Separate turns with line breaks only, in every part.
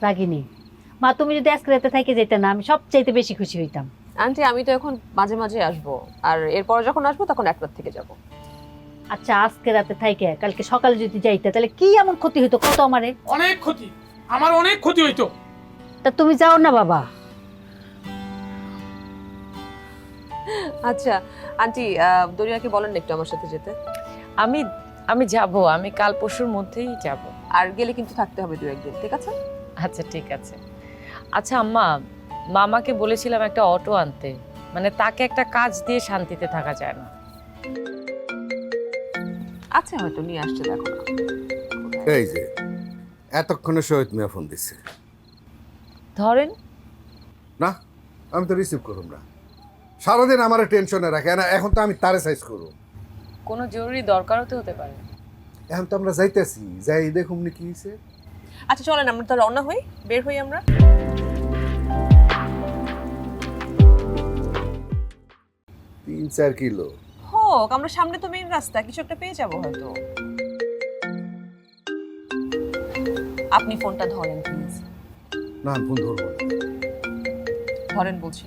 রাগিনী, মা তুমি যদি আজকে রাতে থেকে যেতে না, আমি সবচাইতে বেশি খুশি হইতাম।
আন্টি আমি তো এখন মাঝে মাঝে আসবো, আর এরপর যখন আসবো তখন এক রাত থেকে যাব।
আচ্ছা আজকে রাতে থাইকে কালকে সকালে যদি যাইতে তাহলে কি এমন ক্ষতি হইতো কত আমারে?
অনেক ক্ষতি, আমার অনেক ক্ষতি হইতো।
তা তুমি যাও না বাবা।
আচ্ছা আন্টি, দরিয়াকে বলেন না একটু আমার সাথে যেতে।
আমি আমি যাব, আমি কাল পরশুর মধ্যেই যাব।
আর গেলে কিন্তু থাকতে হবে 2-1 দিন, ঠিক আছে?
আচ্ছা ঠিক আছে। আচ্ছা আম্মা, মামাকে বলেছিলাম একটা অটো আনতে, মানে তাকে একটা কাজ দিয়ে শান্তিতে থাকা যায় না।
আচ্ছা হয়তো নিয়ে আসছে, দেখো না।
এই যে এতক্ষণে শহীদ মিয়া ফোন দিচ্ছে।
ধরেন।
না, আমি তো রিসিভ করুম না। সারাদিন আমার টেনশনে রাখে না, এখন তো আমি তারে সাইজ করব।
কোনো জরুরি দরকারও তো হতে পারে।
এখন তো আমরা যাইতেছি, যাই দেখুন নি কি হয়েছে।
আচ্ছা চলেন আমরা তো রওনা হই, বের হই আমরা।
3-4 কিলো।
হোক, আমরা সামনে তো মেইন রাস্তা, কিছু একটা পেয়ে যাবো হয়তো। আপনি ফোনটা ধরেন প্লিজ।
না আমি ফোন ধরবো না।
ধরেন বলছি।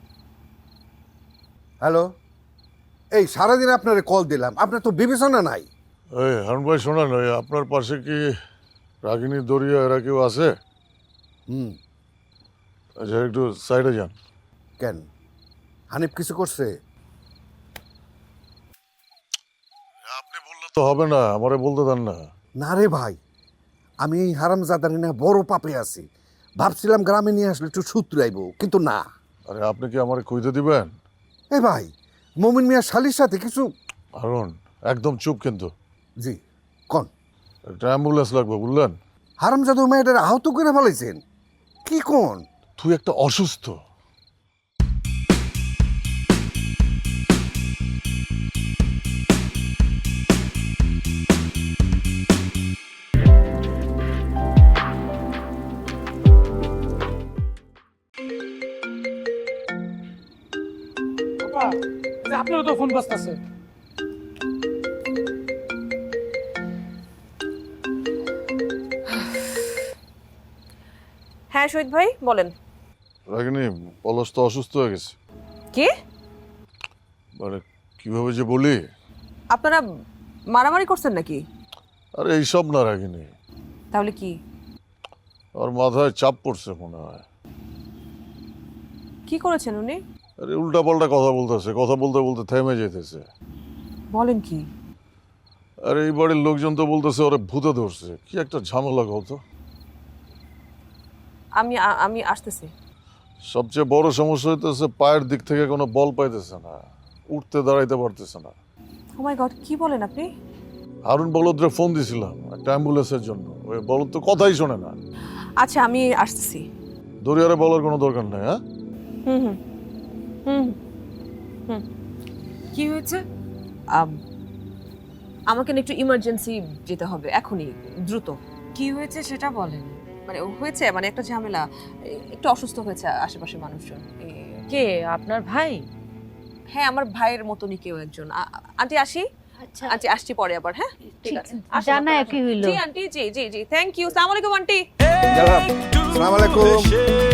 হ্যালো, এই সারাদিন আপনারে কল দিলাম, আপনার তো বিবেচনা নাই।
এই হারুন ভাই শোনেন, ওই আপনার পাশে কি রাগিনী, দরিয়া এরা কেউ আছে?
হুম।
আচ্ছা একটু সাইডে যান।
কেন, হানিফ কিছু করছে?
আপনি বললে তো হবে না, আমারে বলতে দেন না।
না রে ভাই, আমি এই হারামজাদারি না বড় পাপে আছি। ভাবছিলাম গ্রামে নিয়ে আসলে একটু সূত্রাইব, কিন্তু না।
আরে আপনি কি আমারে কইতে দিবেন?
এ ভাই, মমিন মিয়া শালির সাথে কিছু।
হারুন একদম চুপ কিন্তু।
জি কন।
একটা অ্যাম্বুলেন্স লাগবে বুঝলেন?
হারামজাদা মেয়েটার আহত করে ফেলাইছেন কি কোন?
তুই একটা অসুস্থ।
বাবা, এই যে আপনারও তো ফোন বাজতেছে।
হ্যাঁ শহীদ ভাই বলেন।
রাগিনী, পলাশ তো অসুস্থ হয়ে গেছে।
কে?
মানে কিভাবে যে বলি।
আপনারা মারামারি করছেন নাকি?
আরে এইসব না রাগিনী,
তাহলে কি?
আর মাথায় চাপ পড়ছে মনে হয়।
কি করেছেন উনি?
আরে উল্টাপাল্টা কথা বলতেছে, কথা বলতে বলতে থেমে যেতেছে।
বলেন কি?
আর এই বাড়ির লোকজন তো বলতেছে ওরে ভূতে ধরছে। কি একটা ঝামেলা কত।
আমি আসতেছি।
সবচেয়ে বড় সমস্যা হইতেছে পায়ের দিক থেকে কোনো বল পাইতেছে না, উঠতে দাঁড়াইতে পারতেছে না।
ও মাই গড, কি বলেন আপনি?
হারুন বলদরে ফোন দিছিলাম একটা অ্যাম্বুলেন্সের জন্য, ওই বলদ তো কথাই শোনে না।
আচ্ছা আমি আসতেছি।
দরিয়ারে বলার কোনো দরকার নাই। হ্যাঁ
হুম হুম হুম হুম।
কি হয়েছে?
আমাকে না একটু ইমার্জেন্সি যেতে হবে এখনই, দ্রুত।
কি হয়েছে সেটা বলেন।
মানে হয়েছে, মানে একটা ঝামেলা, একটু অসুস্থ হয়েছে আশেপাশে মানুষজন।
কে, আপনার ভাই?
হ্যাঁ আমার ভাইয়ের মতনই কেউ একজন। আন্টি আসি।
আচ্ছা
আন্টি আসছি পরে আবার। হ্যাঁ ঠিক আছে, আসুন
জানাই
আপনারা
কি
আসুন।
হইলো?
জি আন্টি, জি জি জি, থ্যাংক ইউ। আসসালামু আলাইকুম আন্টি।
আসসালামু আলাইকুম।